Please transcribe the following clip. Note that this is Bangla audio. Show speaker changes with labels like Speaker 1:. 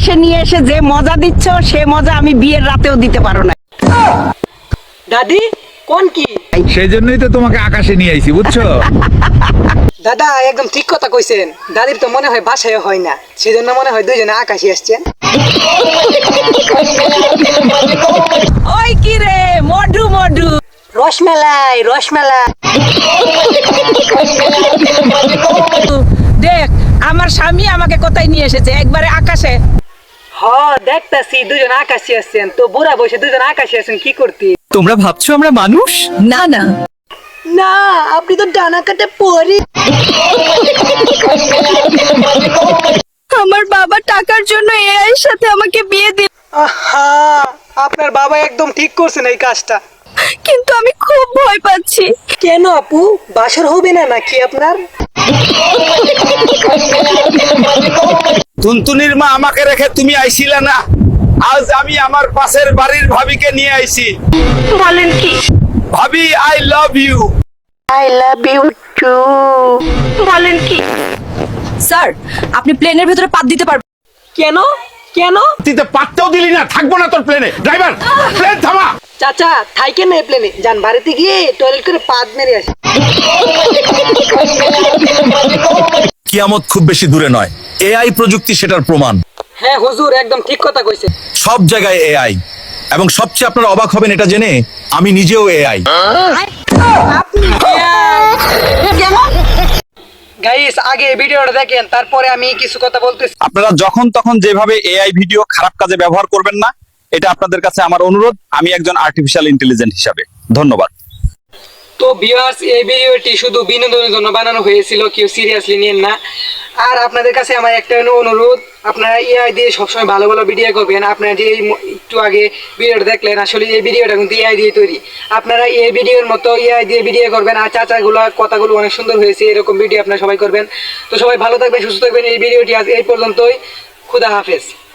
Speaker 1: আকাশে নিয়ে এসে যে মজা দিচ্ছ সে মজা আমি বিয়ের রাতেও দিতে পারো না।
Speaker 2: দাদি কোন কি?
Speaker 3: সেই জন্যই তো তোমাকে আকাশে নিয়ে আইছি, বুঝছো?
Speaker 2: দাদা একদম ঠিক কথা কইছেন। দাদির তো মনে হয় বাসায় হয় না, সেজন্য মনে হয় দুইজনে আকাশে আসছেন।
Speaker 1: ওই কি রে মধু মধু,
Speaker 2: রসমেলাই রসমেলাই।
Speaker 1: দেখ আমার স্বামী আমাকে কোথায় নিয়ে এসেছে, একবারে আকাশে।
Speaker 2: হ দেখতাছি দুজন আকাশে আসছেন, তো বুড়া বসে দুজন আকাশে আসছেন কি করতে?
Speaker 4: তোমরা ভাবছো আমরা মানুষ?
Speaker 1: না না
Speaker 2: না, আপনি তো ডানা কাটে পরি।
Speaker 1: আমার বাবা টাকার জন্য এআই এর সাথে আমাকে বিয়ে দিল,
Speaker 2: আহা, আপনার বাবা একদম ঠিক করছেন এই কাজটা।
Speaker 1: কিন্তু আমি খুব ভয় পাচ্ছি।
Speaker 2: কেন আপু, বাসর হবে না নাকি আপনার?
Speaker 3: টুনটুনির মা আমাকে রেখে তুমি আইছিলা না, আজ আমি আমার পাশের বাড়ির ভাবিকে নিয়ে আইছি।
Speaker 1: বলেন কি?
Speaker 3: ভাবি I love you.
Speaker 2: I love you too.
Speaker 1: বলেন কি? স্যার আপনি প্লেনের ভেতরে পাত দিতে পারবেন?
Speaker 2: কেন কেন?
Speaker 3: তুই তো পাততেও দিলি না, থাকবো না তোর প্লেনে। ড্রাইভার প্লেন থামা।
Speaker 2: চাচা থাইকেন না প্লেনে, যান বাড়িতে গিয়ে টয়লেট করে পাদ মেরে আসি।
Speaker 5: কিয়ামত খুব বেশি দূরে নয়, এআই প্রযুক্তি সেটার প্রমাণ।
Speaker 2: হ্যাঁ হুজুর একদম ঠিক কথা কইছে।
Speaker 5: সব জায়গায় এআই, এবং সবচেয়ে আপনারা অবাক হবেন এটা জেনে, আমি নিজেও এআই।
Speaker 2: গাইস আগে এই ভিডিওটা দেখেন, তারপরে আমি কিছু কথা বলতেছি।
Speaker 5: আপনারা যখন তখন যেভাবে এআই ভিডিও খারাপ কাজে ব্যবহার করবেন না, এটা আপনাদের কাছে আমার অনুরোধ, আমি একজন আর্টিফিশিয়াল ইন্টেলিজেন্স হিসাবে। ধন্যবাদ।
Speaker 2: তো ভিউয়ার্স, এই ভিডিওটি শুধু বিনোদনের জন্য বানানো হয়েছিল, কেউ সিরিয়াসলি নিয়েন না। আর আপনাদের কাছে আমার একটা অনুরোধ, আপনারা এআই দিয়ে সবসময় ভালো ভালো ভিডিও করবেন। আপনারা যে একটু আগে ভিডিওটা দেখলেন, আসলে এই ভিডিওটা কিন্তু এআই দিয়ে তৈরি। আপনারা এই ভিডিওর মতো এআই দিয়ে ভিডিও করবেন, আর চাচাগুলো কথাগুলো অনেক সুন্দর হয়েছে, এরকম ভিডিও আপনারা সবাই করবেন। তো সবাই ভালো থাকবেন, সুস্থ থাকবেন। এই ভিডিওটি আজ এই পর্যন্তই। খুদা হাফেজ।